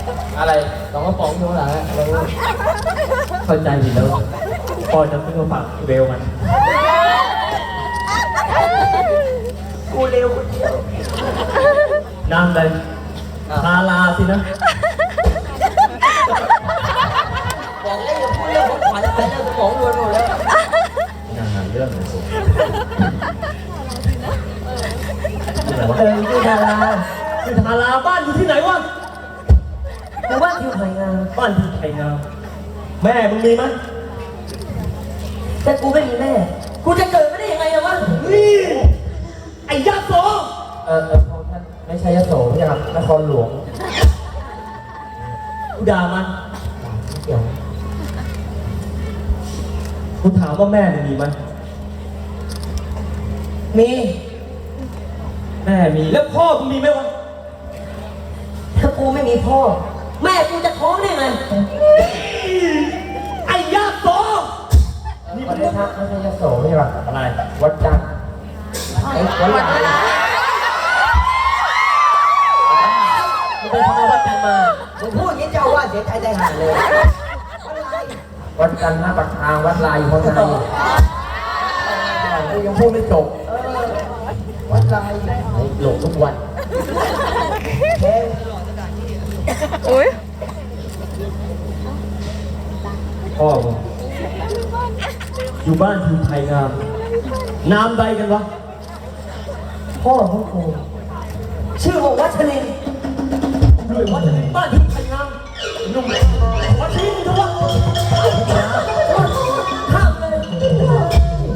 อะไรสองกระป๋องอยู่ข้างหลังอะไรวะเข้าใจผิดแล้วพ่อจะซื้อมาฝากเบลมันกูเร็วคนเดียวน้ำเลยพาลาสินะบอกแล้วอย่าพูดเรื่องของขวัญไปเรื่องสมองรวนหมดแล้วอย่าหาเรื่องเลยสิที่ไหนวะที่ดาราที่ทาราบ้านอยู่ที่ไหนวะหมู่บ้านทิวไผ่งามบ้านที่ไทยงามแม่มึงมีไหมแต่กูไม่มีแม่ กูจะเกิดไม่ได้ยังไงอะวะนี่ไอ้ยาโสพระท่านไม่ใช่ยโสใช่ครับนครหลวงกูด่ามันเกี่ยวกูถามว่าแม่มึงมีไหมมีแม่มีแล้วพ่อมึงมีไหมวะถ้ากูไม่มีพ่อ แม่กูจะท้องได้ไงไอ้ยาโสนี่ประเทศท่านไม่ใช่ยโสใช่ป่ะอะไรวัดจันทร์ไอ้วัดหลายมึงไปทำไมวัดกันมามึงพูดอย่างนี้เจ้าว่าเสียใจใจหายเลยวัดจันทร์หน้าปากทางวัดลายอยู่ข้างในกูยังพูดไม่จบวัดลายหลงทุกวันอุ้ยพ่อมึงอยู่บ้านทีไทยงามนามใดกันวะพ่อของกูชื่อว่าวัชรินทร์ด้วยวัดจะเป็นบ้านทีไทยงามหนุ่มวัดนี้มึงทำวะ